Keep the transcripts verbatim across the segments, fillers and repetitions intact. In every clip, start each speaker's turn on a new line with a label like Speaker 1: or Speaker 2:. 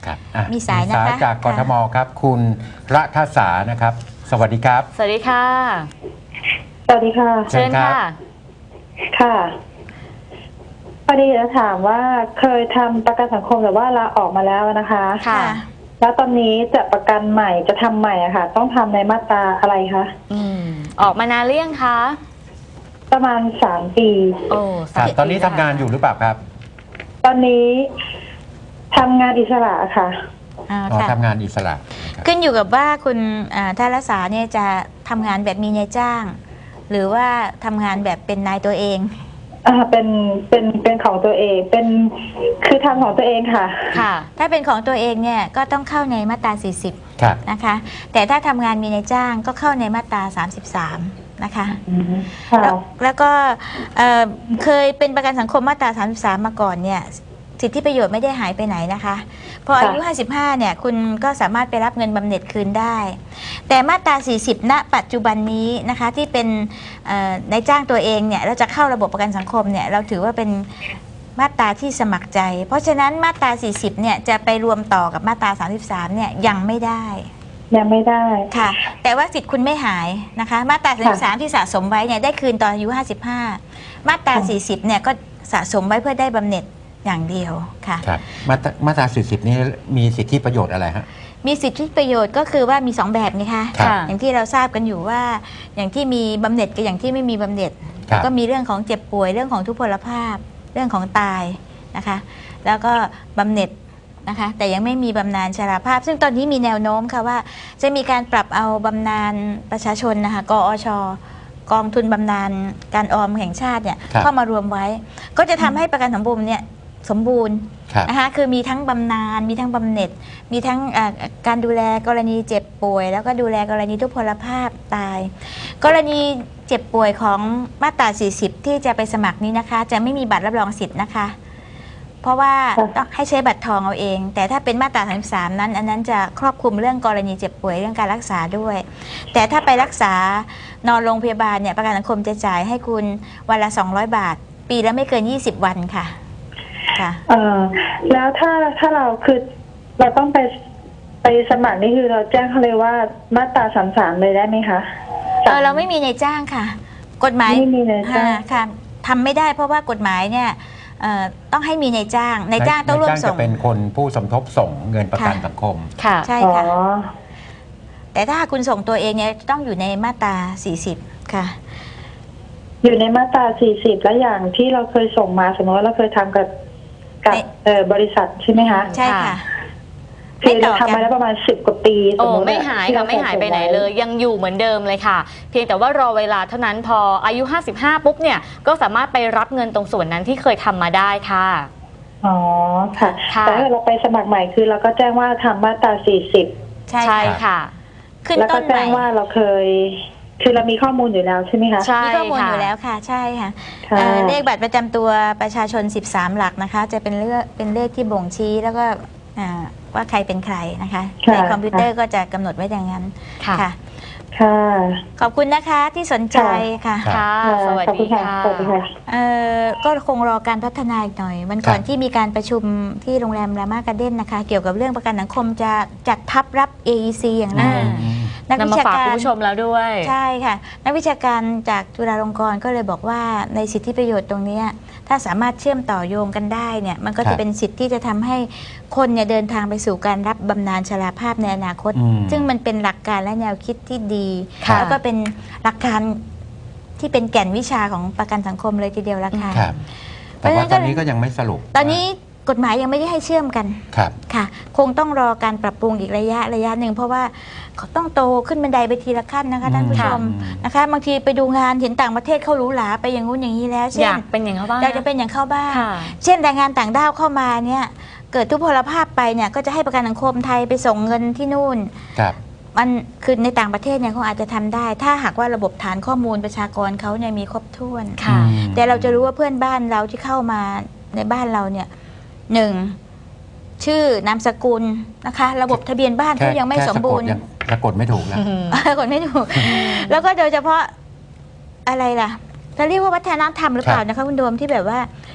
Speaker 1: ครับ
Speaker 2: มีสายนะคะ
Speaker 1: จากกทมครับคุณรัฐสานะครับ สวัสดีครับ
Speaker 3: สวัสดีค่ะ
Speaker 4: สวัสดีค่ะ
Speaker 1: เชิ
Speaker 3: เชิ
Speaker 1: ญ
Speaker 3: ญ
Speaker 1: ครับ
Speaker 3: ค่ะ
Speaker 4: ค่ะพอดีจะถามว่าเคยทำประกันสังคมแต่ว่าลาออกมาแล้วนะคะ
Speaker 3: ค่ะ
Speaker 4: แล้วตอนนี้จะประกันใหม่จะทำใหม่อะค่ะ ต้องทำในมาตราอะไรคะ
Speaker 3: อืมออกมานานหรือยังคะ
Speaker 4: ประมาณสามปี
Speaker 3: โอ้
Speaker 1: ครั
Speaker 3: สา
Speaker 1: บ
Speaker 3: ม
Speaker 1: ตอนนี้
Speaker 3: ปี
Speaker 1: ทำงานอยู่หรือเปล่าครับ
Speaker 4: ตอนนี้ทำงานอิสระค่ะ
Speaker 2: อ่า
Speaker 1: อ๋อ
Speaker 2: ค่ะ
Speaker 1: ทำงานอิสระนะครับ
Speaker 2: ขึ้นอยู่กับว่าคุณอ่าท่านรักษาเนี่ยจะทำงานแบบมีนายจ้าง หรือว่าทำงานแบบเป็นนายตัวเอง
Speaker 4: อ่าเป็นเป็นเป็นของตัวเองเป็นคือทำของตัวเองค่ะ
Speaker 3: ค่ะ
Speaker 2: ถ้าเป็นของตัวเองเนี่ยก็ต้องเข้าในมาตรา สี่สิบ
Speaker 1: ครับ
Speaker 2: นะคะ แต่ถ้าทำงานมีนายจ้างก็เข้าในมาตรา สามสิบสาม นะคะ
Speaker 4: ค่ะ
Speaker 2: แล้วแล้วก็เอ่อเคยเป็นประกันสังคมมาตรา สามสิบสาม มาก่อนเนี่ยสิทธิประโยชน์ไม่ได้หายไปไหนนะคะพออายุ
Speaker 4: ค่ะ
Speaker 2: ห้าสิบห้าเนี่ยคุณก็สามารถไปรับเงินบำเหน็จคืนได้ แต่มาตรา สี่สิบ ณ ปัจจุบันนี้นะคะที่เป็นเอ่อนายจ้างตัวเองเนี่ยเราจะเข้าระบบประกันสังคมเนี่ยเราถือว่าเป็นมาตราที่สมัครใจ เพราะฉะนั้นมาตรา สี่สิบ เนี่ยจะไปรวมต่อกับมาตรา สามสิบสาม เนี่ยยังไม่ได้
Speaker 4: ยังไม่ได้
Speaker 2: ค่ะแต่ว่าสิทธิ์คุณไม่หายนะคะมาตรา สามสิบสาม ที่สะสมไว้เนี่ยได้คืนตอนอายุ ห้าสิบห้า มาตรา
Speaker 4: ค่ะ
Speaker 2: สี่สิบ เนี่ยก็สะสมไว้เพื่อได้บำเหน็จอย่างเดียวค่ะ
Speaker 1: ครับ มาตรามาตราสี่สิบนี้มีสิทธิประโยชน์อะไรฮะ
Speaker 2: มีสิทธิประโยชน์ก็คือว่ามีสองแบบนะคะ
Speaker 1: ครับ
Speaker 2: อย่างที่เราทราบกันอยู่ว่าอย่างที่มีบำเหน็จกับอย่างที่ไม่มีบำเหน็จ
Speaker 1: ครับ
Speaker 2: ก็มีเรื่องของเจ็บป่วยเรื่องของทุพพลภาพเรื่องของตายนะคะแล้วก็บำเหน็จนะคะแต่ยังไม่มีบำนาญชราภาพ ซึ่งตอนนี้มีแนวโน้มค่ะว่าจะมีการปรับเอาบำนาญประชาชนนะคะกอชกองทุนบำนาญการออมแห่งชาติเนี่ย
Speaker 1: ครับ
Speaker 2: เข้ามารวมไว้ ก็จะทำให้ประกันสังคมเนี่ยสมบูรณ์
Speaker 1: ครับ
Speaker 2: นะคะคือมีทั้งบำนาญมีทั้งบำเหน็จ มีทั้งอ่าการดูแลกรณีเจ็บป่วย แล้วก็ดูแลกรณีทุพพลภาพตาย กรณีเจ็บป่วยของมาตรา สี่สิบ ที่จะไปสมัครนี้นะคะ จะไม่มีบัตรรับรองสิทธิ์นะคะ เพราะว่า
Speaker 4: ค่ะ
Speaker 2: ต้องให้ใช้บัตรทองเอาเอง แต่ถ้าเป็นมาตรา สามสิบสาม นั้น อันนั้นจะครอบคลุมเรื่องกรณีเจ็บป่วยเรื่องการรักษาด้วย แต่ถ้าไปรักษานอนโรงพยาบาลเนี่ยประกันสังคมจะจ่ายให้คุณวันละ สองร้อย บาท ปีละไม่เกิน ยี่สิบ วันค่ะค่ะ
Speaker 4: เออแล้วถ้าถ้าเราคือเราต้องไปไปสมัครนี่คือเราแจ้งเขาเลยว่ามาตราสามสามเลยได้ไหมคะ
Speaker 2: เออเราไม่มีในายจ้างค่ะ กฎหมาย
Speaker 4: ไม่มีนายจ้าง
Speaker 2: อ่ค่ะทำไม่ได้เพราะว่ากฎหมายเนี่ยเอ่อต้องให้มีในายจ้างนายจ้างต้องร่วม
Speaker 1: นาย
Speaker 2: ส่
Speaker 1: จะ
Speaker 2: ง
Speaker 1: เป็นคนผู้สมทบส่งเงินประกัน
Speaker 2: ค่ะ
Speaker 1: สังคม
Speaker 3: ค่ะ
Speaker 2: ใช่
Speaker 4: อ๋อ
Speaker 2: ค่ะ แต่ถ้าคุณส่งตัวเองเนี่ยต้องอยู่ในมาตรา สี่สิบ ค่ะ
Speaker 4: อยู่ในมาตราสี่สิบแล้วอย่างที่เราเคยส่งมาสมมติว่าเราเคยทำกับกับ
Speaker 2: ใน
Speaker 4: เอ่อบริษัทใช่ไหมคะ
Speaker 2: ใช่ค่ะ
Speaker 3: ค่ะ
Speaker 4: คือเราทำมาแล้วประมาณสิบกว่าปีส
Speaker 3: โอ้
Speaker 4: มมติ
Speaker 3: ไม่หาย
Speaker 4: ที่
Speaker 3: ค่ะ
Speaker 4: เร
Speaker 3: ไม่หายไปไหน
Speaker 4: ส่งว้
Speaker 3: เลยยังอยู่เหมือนเดิมเลยค่ะ เพียงแต่ว่ารอเวลาเท่านั้นพออายุ ห้าสิบห้า ปุ๊บเนี่ยก็สามารถไปรับเงินตรงส่วนนั้นที่เคยทำมาได้ค่ะ
Speaker 4: อ๋อค่ะ
Speaker 3: ค่ะ
Speaker 4: แต่ถ้าเราไปสมัครใหม่คือเราก็แจ้งว่าทำมาตราสี่สิบ
Speaker 2: ใช่
Speaker 3: ใช่
Speaker 2: ค่ะ
Speaker 3: ค่ะ
Speaker 2: ขึ้น
Speaker 4: แล้ว
Speaker 2: ต้
Speaker 4: ก็
Speaker 2: นให
Speaker 4: แจ้
Speaker 2: ม่
Speaker 4: งว่าเราเคย คือเรามีข้อมูลอยู่แล้วใช่ไหมคะ
Speaker 3: ใช่
Speaker 2: มีข้อมูล
Speaker 3: ค่ะ
Speaker 2: อยู่แล้วค่ะ ใช่ค่ะ
Speaker 4: ค่ะ
Speaker 2: เอ่อเลขบัตรประจำตัวประชาชน สิบสาม หลักนะคะ จะเป็นเลขเป็นเลขที่บ่งชี้แล้วก็อ่าว่าใครเป็นใครนะคะ
Speaker 4: ค่ะ
Speaker 2: ในคอมพิวเตอร์ก็จะกำหนดไว้อย่างนั้น
Speaker 3: ค่ะ
Speaker 2: ค่ะ
Speaker 4: ค่ะ
Speaker 2: ขอบคุณนะคะที่สนใจค่ะ
Speaker 3: ค่ะ สวัส
Speaker 4: ขอบคุ
Speaker 3: ดี
Speaker 4: ณค่ะ
Speaker 3: ค่ะ
Speaker 4: สวัสดีค่ะ
Speaker 2: เอ่อก็คงรอการพัฒนาอีกหน่อยวันก่อน
Speaker 1: ครับ
Speaker 2: ที่มีการประชุมที่โรงแรมรามาการ์เด้นนะคะ เกี่ยวกับเรื่องประกันสังคมจะจัดทับรับ เอ อี ซี อย่างไร
Speaker 3: อ่า
Speaker 2: นัก
Speaker 3: นำ
Speaker 2: วิ
Speaker 3: มา
Speaker 2: ชา
Speaker 3: ฝาก
Speaker 2: การ
Speaker 3: คุณผู้ชมแล้วด้วย
Speaker 2: ใช่ค่ะ นักวิชาการจากจุฬาลงกรณ์ก็เลยบอกว่าในสิทธิประโยชน์ตรงเนี้ยถ้าสามารถเชื่อมต่อโยงกันได้เนี่ยมันก็
Speaker 1: ครั
Speaker 2: จะ
Speaker 1: บ
Speaker 2: เป็นสิทธิที่จะทำให้คนเนี่ยเดินทางไปสู่การรับบำนาญชราภาพในอนาคต
Speaker 1: อืม
Speaker 2: ซึ่งมันเป็นหลักการและแนวคิดที่ดี
Speaker 3: ค่ะ
Speaker 2: แล้วก็เป็นหลักการที่เป็นแก่นวิชาของประกันสังคมเลยทีเดียวละค่ะ
Speaker 1: ครับ แต่ว่าตอนนี้ก็ยังไม่สรุป
Speaker 2: ตอนนี้กฎหมายยังไม่ได้ให้เชื่อมกัน
Speaker 1: ครับ
Speaker 2: ค่ะ คงต้องรอการปรับปรุงอีกระยะระยะหนึ่งเพราะว่าเขาต้องโตขึ้นบันไดไปทีละขั้นนะคะท่านผู้ชม
Speaker 1: ค่ะ
Speaker 2: นะคะบางทีไปดูงานเห็นต่างประเทศเขาหรูหราไปอย่างงู้นอย่างนี้แล้วเช่
Speaker 3: อน ยากเป็นอย่างเขาบ้าง
Speaker 2: อยากจะเป็นอย่างเขาบ้าง
Speaker 3: ค่ะ
Speaker 2: เช่นแรงงานต่างด้าวเข้ามาเนี่ยเกิดทุพพลภาพไปเนี่ยก็จะให้ประกันสังคมไทยไปส่งเงินที่นู่น
Speaker 1: ครับ
Speaker 2: มันคือในต่างประเทศเนี่ยเขาอาจจะทำได้ ถ้าหากว่าระบบฐานข้อมูลประชากรเขาเนี่ยมีครบถ้วน
Speaker 3: ค่ะ
Speaker 1: อืม
Speaker 2: แต่เราจะรู้ว่าเพื่อนบ้านเราที่เข้ามาในบ้านเราเนี่ยหนึ่งชื่อนามสกุลนะคะ ระบบทะเบียนบ้านเขายังไม่
Speaker 1: แค่
Speaker 2: สมบูรณ์
Speaker 1: สะกดยังสะกดไม่ถูกแล้ว
Speaker 2: คนไม่ถูก แล้วก็โดยเฉพาะอะไรล่ะจะเรียกว่าวัฒนธรรมหรือเปล่า
Speaker 1: ครับ
Speaker 2: นะคะคุณโดมที่แบบว่า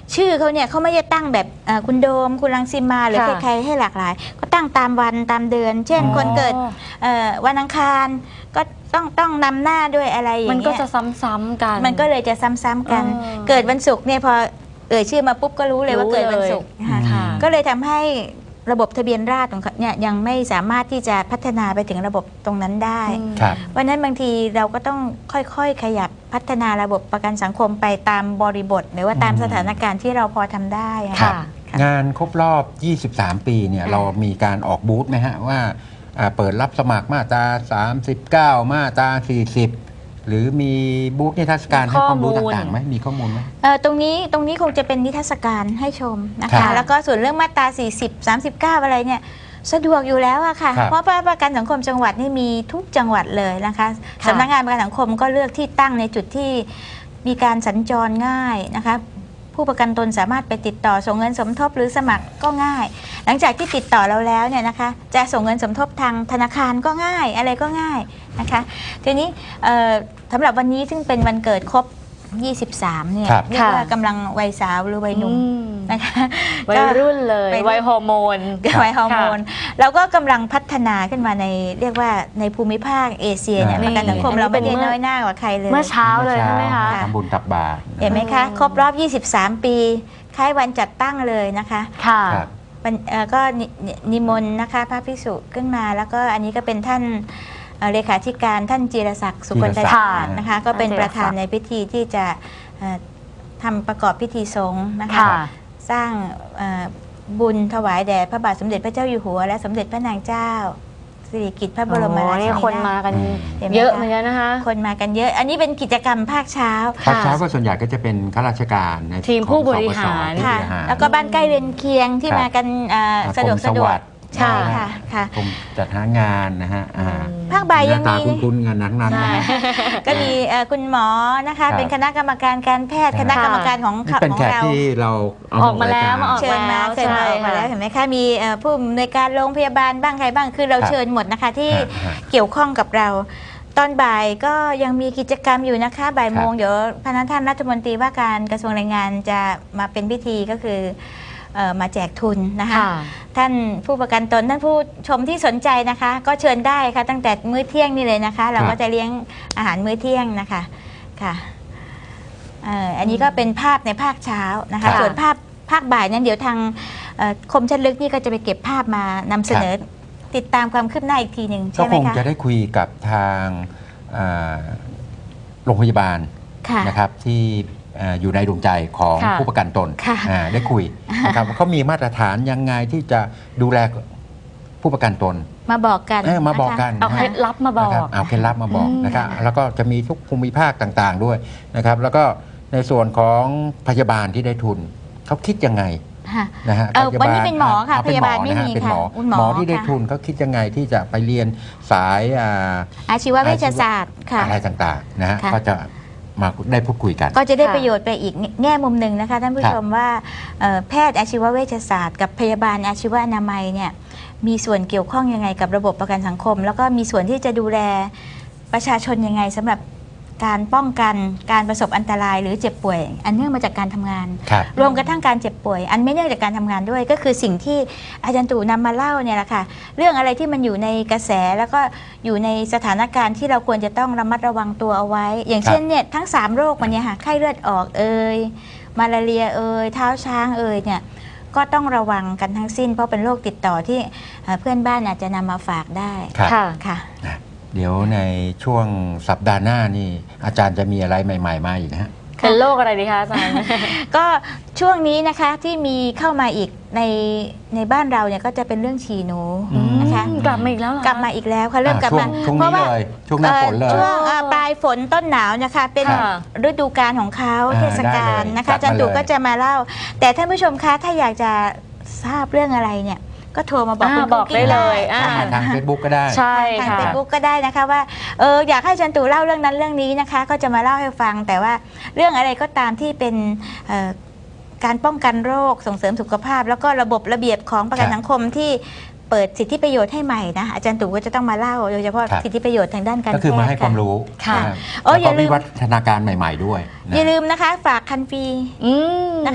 Speaker 2: ชื่อเขาเนี่ยเขาไม่ได้ตั้งแบบเอ่อคุณโดมคุณรังสิมาหรือ
Speaker 3: ค่ะ
Speaker 2: ใครๆให้หลากหลาย ก็ตั้งตามวันตามเดือน เช่น
Speaker 1: อ๋อ
Speaker 2: คนเกิดเอ่อวันอังคารก็ต้องต้องนำหน้าด้วยอะไรอย่า
Speaker 3: มัน
Speaker 2: ง
Speaker 3: ก็
Speaker 2: เงี้ย
Speaker 3: จะซ้ำๆกัน
Speaker 2: มันก็เลยจะซ้ำๆกัน
Speaker 3: เออ
Speaker 2: เกิดวันศุกร์เนี่ยพอเอ่ยชื่อมาปุ๊บก็รู้เลยว่า
Speaker 3: รู้
Speaker 2: เกิดวัน
Speaker 3: เลย
Speaker 2: ศุกร์นะคะ
Speaker 3: ค่ะ
Speaker 2: ก็เลยทำให้ระบบทะเบียนราษฎร์ของเขาเนี่ยยังไม่สามารถที่จะพัฒนาไปถึงระบบตรงนั้นได้
Speaker 3: อืม
Speaker 1: ครับ
Speaker 2: เพราะฉะนั้นบางทีเราก็ต้องค่อยๆ ขยับพัฒนาระบบประกันสังคมไปตามบริบท หรือว่าตาม
Speaker 1: อืม
Speaker 2: สถานการณ์ที่เราพอทำได้อะ
Speaker 3: ค่ะ
Speaker 2: ค่ะ
Speaker 1: งานครบรอบ ยี่สิบสาม ปีเนี่ย
Speaker 2: ค่ะ
Speaker 1: เรามีการออกบูธไหมฮะว่าอ่าเปิดรับสมัครมาตรา สามสิบเก้า มาตรา สี่สิบ หรือมีบูธนิทรรศการให้ความรู้
Speaker 3: ข้อมูล
Speaker 1: ต่างๆไหมมีข้อมูลไหม
Speaker 2: เอ่อตรงนี้ตรงนี้คงจะเป็นนิทรรศการให้ชมนะ
Speaker 1: ครั
Speaker 2: คะ
Speaker 1: บ
Speaker 2: แล้วก็ส่วนเรื่องมาตรา สี่สิบ สามสิบเก้า อะไรเนี่ยสะดวกอยู่แล้วอะค่ะ
Speaker 1: ครับ
Speaker 2: เพราะว่าประกันสังคมจังหวัดนี่มีทุกจังหวัดเลยนะคะ
Speaker 3: ค่ะ
Speaker 2: สำนักงานประกันสังคมก็เลือกที่ตั้งในจุดที่มีการสัญจรง่ายนะคะ ผู้ประกันตนสามารถไปติดต่อส่งเงินสมทบหรือสมัครก็ง่าย หลังจากที่ติดต่อเราแล้วเนี่ยนะคะ จะส่งเงินสมทบทางธนาคารก็ง่ายอะไรก็ง่ายนะคะ ทีนี้เอ่อสำหรับวันนี้ซึ่งเป็นวันเกิดครบ ยี่สิบสาม เนี่ย
Speaker 1: ครับ
Speaker 2: เรียกว่ากำลังวัยสาวหรือวัยหนุ่ม
Speaker 3: อืม
Speaker 2: นะคะ
Speaker 3: วัยรุ่นเลย
Speaker 2: วัยรุ่น
Speaker 3: วัยฮอร์โมน
Speaker 2: วัยฮอร์โมนเราก็กำลังพัฒนาขึ้นมาในเรียกว่าในภูมิภาคเอเชียเนี่ย
Speaker 1: อ่า
Speaker 2: ประกันสังคม
Speaker 3: อันนี้
Speaker 2: เราไม่ได้
Speaker 3: เป็นเมื่อ
Speaker 2: น้อยหน้ากว่าใครเลย
Speaker 3: เมื่อเช้าเลยใช่ไหมคะ
Speaker 1: ทำบุญตักบาตร
Speaker 2: เห็นไหมคะ ครบรอบ ยี่สิบสาม ปีคล้ายวันจัดตั้งเลยนะคะ
Speaker 3: ค่ะ
Speaker 1: ครับ
Speaker 2: วันเอ่อก็นินินิมนต์นะคะพระภิกษุขึ้นมา แล้วก็อันนี้ก็เป็นท่านเอ่อเลขาธิการท่านจีรศักดิ์สุคนต
Speaker 1: จีรศักดิ์
Speaker 2: ชาตินะคะ ก็เป็น
Speaker 3: ท่านจีร
Speaker 2: ประธาน
Speaker 3: ศักดิ์
Speaker 2: ในพิธีที่จะเอ่อทำประกอบพิธีสงฆ์นะคะ
Speaker 3: ค่ะ
Speaker 2: สร้างเอ่อบุญถวายแด่พระบาทสมเด็จพระเจ้าอยู่หัว และสมเด็จพระนางเจ้าสิริกิติ์พระบรมราชิ
Speaker 3: โอ้
Speaker 2: นี
Speaker 3: นี่
Speaker 2: นาถ
Speaker 3: คนมากัน
Speaker 2: เห็นไหม
Speaker 3: เยอะ
Speaker 2: คะ
Speaker 3: เหมือนกันนะคะ
Speaker 2: คนมากันเยอะ อันนี้เป็นกิจกรรมภาคเช้า
Speaker 1: ภาคเช้าก็ส่วนใหญ่ก็จะเป็นข้าราชการใน
Speaker 3: ทีมผู้บริหาร
Speaker 1: ของสปส
Speaker 2: ค่ะ
Speaker 1: ผู้บริหาร
Speaker 2: แล้วก็บ้านใกล้เรือนเคียงที่
Speaker 1: ครับ
Speaker 2: มากันเอ่อสะดวก
Speaker 1: กรม
Speaker 2: สะดว
Speaker 1: วั
Speaker 2: ก
Speaker 1: สดิ์
Speaker 2: ใช่ค่ะค่ะ
Speaker 1: กรมจัดหางานนะฮะอ่า
Speaker 2: ภาคบ่าย
Speaker 1: ห
Speaker 2: ยั
Speaker 1: น้าง ตา
Speaker 2: มี
Speaker 1: คุ้นๆกันทั้งนั้นนะฮะ
Speaker 2: ก็มีเอ่อคุณหมอนะคะ
Speaker 1: ครับ
Speaker 2: เป็นคณะกรรมการการแพทย์
Speaker 1: ครับ
Speaker 2: คณะกรรมการของ
Speaker 1: นี่เป็น
Speaker 2: ของ
Speaker 1: แขก
Speaker 2: เรา
Speaker 1: ที่เราเอา
Speaker 3: ออกมาแล้ว
Speaker 1: รยร
Speaker 3: มาออก
Speaker 2: เชิญมา
Speaker 3: แล้ว
Speaker 2: เชิญมา
Speaker 3: ใช่
Speaker 2: ออกมาแล้ว
Speaker 3: ค่ะ
Speaker 2: เห็นไหมคะมีเอ่อผู้อำนวยการโรงพยาบาลบ้างใครบ้างคือเรา
Speaker 1: ครับ
Speaker 2: เชิญหมดนะคะที่
Speaker 1: ฮะฮะ
Speaker 2: เกี่ยวข้องกับเรา ตอนบ่ายก็ยังมีกิจกรรมอยู่นะคะบ่ายโมง
Speaker 1: ครับ
Speaker 2: เดี๋ยวพนักท่านรัฐมนตรีว่าการกระทรวงแรงงานจะมาเป็นพิธีก็คือเอ่อมาแจกทุนนะคะ
Speaker 3: ค่ะ
Speaker 2: ท่านผู้ประกันตนท่านผู้ชมที่สนใจนะคะ ก็เชิญได้ค่ะตั้งแต่มื้อเที่ยงนี่เลยนะคะ เราก็จะเลี้ยงอาหารมื้อเที่ยงนะคะค่ะเอ่ออันนี้ก็เป็นภาพในภาคเช้านะคะ
Speaker 3: ค่ะ
Speaker 2: ส่วนภาพภาคบ่ายนั้นเดี๋ยวทางเอ่อคมชัดลึกนี่ก็จะไปเก็บภาพมานำเสนอติดตามความคืบหน้าอีกทีหนึ่ง
Speaker 1: ก็
Speaker 2: ใช่ไห
Speaker 1: ค
Speaker 2: ม
Speaker 1: ง
Speaker 2: คะ
Speaker 1: จะได้คุยกับทางอ่าโรงพยาบาล
Speaker 2: ค่ะ
Speaker 1: นะครับที่เอ่ออยู่ในดวงใจของ
Speaker 3: ค่ะ
Speaker 1: ผู้ประกันตน
Speaker 2: ค่ะ
Speaker 1: อ่าได้คุยนะครับว่าเขามีมาตรฐานยังไงที่จะดูแลผู้ประกันตน
Speaker 2: มาบอกกัน
Speaker 1: เออมาบอก
Speaker 2: ะคะ
Speaker 1: กัน
Speaker 3: เอา
Speaker 1: นะ
Speaker 3: เค
Speaker 1: ฮะ
Speaker 3: ล็ดลับมาบอก
Speaker 1: นะครับเอาเคล็ดลับมาบอก
Speaker 3: อืม
Speaker 1: นะครับแล้วก็จะมีทุกภูมิภาคต่างๆด้วยนะครับแล้วก็ในส่วนของพยาบาลที่ได้ทุนเขาคิดยังไง
Speaker 2: ค่ะ
Speaker 1: นะฮะ
Speaker 2: เอ่อ
Speaker 1: พยา
Speaker 2: วัน
Speaker 1: บา
Speaker 2: นี้
Speaker 1: ล
Speaker 2: เป็นหมอค่ะ
Speaker 1: เเป็
Speaker 2: พยาบาล
Speaker 1: หอ
Speaker 2: ไม่
Speaker 1: นะฮะ
Speaker 2: มี
Speaker 1: เป็น
Speaker 2: ค่ะ
Speaker 1: หมอ
Speaker 2: คุณหมอ
Speaker 1: หมอที่ได้
Speaker 2: ค่ะ
Speaker 1: ทุนเขาคิดยังไงที่จะไปเรียนสายอ่า
Speaker 2: อาชีวเวชศาสตร์ค่ะ
Speaker 1: อะไรต่างๆนะฮะ
Speaker 2: ค่ะ
Speaker 1: ก็จะมาได้พูดคุยกัน
Speaker 2: ก็จะได้
Speaker 3: ค่ะ
Speaker 2: ประโยชน์ไปอีกแง่มุมหนึ่งนะคะท่านผู้
Speaker 1: ครับ
Speaker 2: ชมว่าเอ่อแพทย์อาชีวเวชศาสตร์กับพยาบาลอาชีวอนามัยเนี่ยมีส่วนเกี่ยวข้องยังไงกับระบบประกันสังคม แล้วก็มีส่วนที่จะดูแลประชาชนยังไงสำหรับการป้องกันการประสบอันตรายหรือเจ็บป่วย อันเนื่องมาจากการทำงาน
Speaker 1: ครับ
Speaker 2: รวมกระทั่งการเจ็บป่วย อันไม่เนื่องจากการทำงานด้วย ก็คือสิ่งที่อาจารย์ตู่นำมาเล่าเนี่ยแหละค่ะเรื่องอะไรที่มันอยู่ในกระแสแล้วก็อยู่ในสถานการณ์ที่เราควรจะต้องระมัดระวังตัวเอาไว้ อย่างเช่นเนี่ยทั้งสามโรคมันเนี่ยค่ะไข้เลือดออกเอ่ยมาลาเรียเอ่ยเท้าช้างเอ่ยเนี่ยก็ต้องระวังกันทั้งสิ้น เพราะเป็นโรคติดต่อที่เอ่อเพื่อนบ้านอาจจะนำมาฝากได้
Speaker 1: ครับ
Speaker 3: ค่ะ
Speaker 2: ค่ะ
Speaker 1: เดี๋ยวในช่วงสัปดาห์หน้านี่อาจารย์จะมีอะไรใหม่ ๆ มาอีกนะฮะ
Speaker 3: เป็นโรคอะไรดีคะอาจารย์
Speaker 2: ก็ช่วงนี้นะคะที่มีเข้ามาอีกในในบ้านเราเนี่ยก็จะเป็นเรื่องฉี่หนู
Speaker 1: อืม
Speaker 2: นะคะ
Speaker 3: กลับมาอีกแล้วเหรอก
Speaker 2: ลับมาอีกแล้วค่ะเริ่มกลับ
Speaker 1: ช่ว
Speaker 2: มาง
Speaker 1: ช่วง
Speaker 2: เพ
Speaker 1: นี้
Speaker 2: ราะว่า
Speaker 1: เลยช่วงหน้าฝนเลย
Speaker 2: อ่อช่วงอ่าปลายฝนต้นหนาวนะคะเป็น
Speaker 3: ค่ะ
Speaker 2: ฤดูกาลของเขา
Speaker 1: อ่า
Speaker 2: เทศกาล
Speaker 1: ได้เลย
Speaker 2: นะคะ
Speaker 1: จั
Speaker 2: อา
Speaker 1: ดมา
Speaker 2: จารย์ตู่
Speaker 1: เลย
Speaker 2: ก็จะมาเล่า แต่ท่านผู้ชมคะถ้าอยากจะทราบเรื่องอะไรเนี่ยก็โทรมาบอก
Speaker 3: อ่า
Speaker 2: คุณ
Speaker 3: บอกได้เลยอ่า
Speaker 2: ค่ะ
Speaker 1: ทาง Facebook ก็ได้
Speaker 3: ใช่
Speaker 2: ทาง
Speaker 3: ค่ะ
Speaker 2: เฟซบุ๊กก็ได้นะคะว่าเอออยากให้อาจารย์ตู่เล่าเรื่องนั้นเรื่องนี้นะคะ ก็จะมาเล่าให้ฟัง แต่ว่าเรื่องอะไรก็ตามที่เป็นเอ่อการป้องกันโรคส่งเสริมสุขภาพ แล้วก็ระบบระเบียบของประกัน
Speaker 1: ครับ
Speaker 2: สังคมที่เปิดสิทธิประโยชน์ให้ใหม่นะอาจารย์ตู่ก็จะต้องมาเล่าโดยเฉพาะ
Speaker 1: ครับ
Speaker 2: สิทธิประโยชน์ทางด้านการ
Speaker 1: ก็คือมาให้
Speaker 2: แพทย์
Speaker 1: ความรู้
Speaker 3: ค่ะ
Speaker 1: นะครับ
Speaker 2: โอ้
Speaker 1: แล้ว
Speaker 2: อย่า
Speaker 1: ก็
Speaker 2: ลืม
Speaker 1: วิวัฒนาการใหม่ ๆ ด้วยนะ
Speaker 2: อย่าลืมนะคะฝากคันฟรี
Speaker 3: อืม
Speaker 2: นะคะ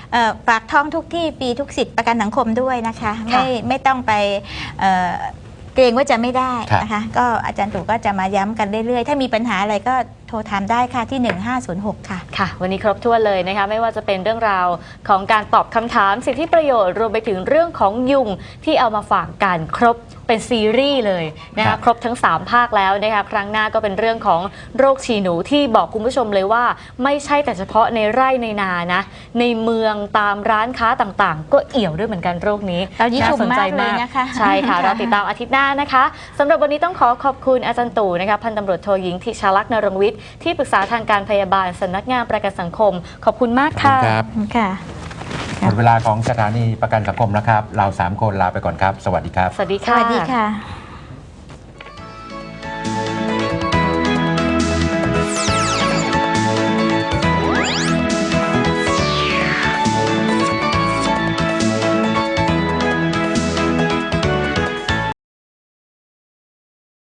Speaker 2: เอ่อฝากท้องทุกที่ปีทุกสิทธิ์ประกันสังคมด้วยนะคะ
Speaker 3: ค่ะ
Speaker 2: ไม่ไม่ต้องไปเอ่อเกรงว่าจะไม่ได้
Speaker 1: ครับ
Speaker 2: นะคะก็อาจารย์ตู่ก็จะมาย้ำกันเรื่อยๆ ถ้ามีปัญหาอะไรก็โทรถามได้ค่ะที่ หนึ่งห้าศูนย์หก ค่ะ
Speaker 3: ค่ะ วันนี้ครบถ้วนเลยนะคะไม่ว่าจะเป็นเรื่องราวของการตอบคำถามสิทธิประโยชน์รวมไปถึงเรื่องของยุงที่เอามาฝากกันครบเป็นซีรีส์เลยนะ
Speaker 1: ครั
Speaker 3: คะ
Speaker 1: บ
Speaker 3: ครบทั้งสามภาคแล้วนะคะครั้งหน้าก็เป็นเรื่องของโรคฉี่หนูที่บอกคุณผู้ชมเลยว่า ไม่ใช่แต่เฉพาะในไร่ในนานะในเมืองตามร้านค้าต่างๆ ก็เอี่ยวด้วยเหมือนกันโรคนี้
Speaker 2: เรายิ่ง
Speaker 3: น่
Speaker 2: ชม
Speaker 3: สนใจ
Speaker 2: มากเลยนะคะ
Speaker 3: ใช่ค่ะ
Speaker 2: ค่ะ
Speaker 3: เราติดตามอาทิตย์หน้านะคะสำหรับวันนี้ต้องขอขอบคุณอาจารย์ตู่นะคะพันตำรวจโทหญิงทิชาลักษณ์นรงค์วิทย์ที่ปรึกษาทางการพยาบาลสำนักงานประกันสังคม ขอบคุณมาก
Speaker 1: ขอบคุณ
Speaker 3: ค่ะ
Speaker 1: ครับ
Speaker 2: ค่ะ
Speaker 1: หมดเวลาของสถานีประกันสังคมแล้วครับ เราสามคนลาไปก่อนครับ สวัสดีครับ
Speaker 3: สวัสดี
Speaker 2: ส
Speaker 3: ค่ะ
Speaker 2: วัสดีค่ะ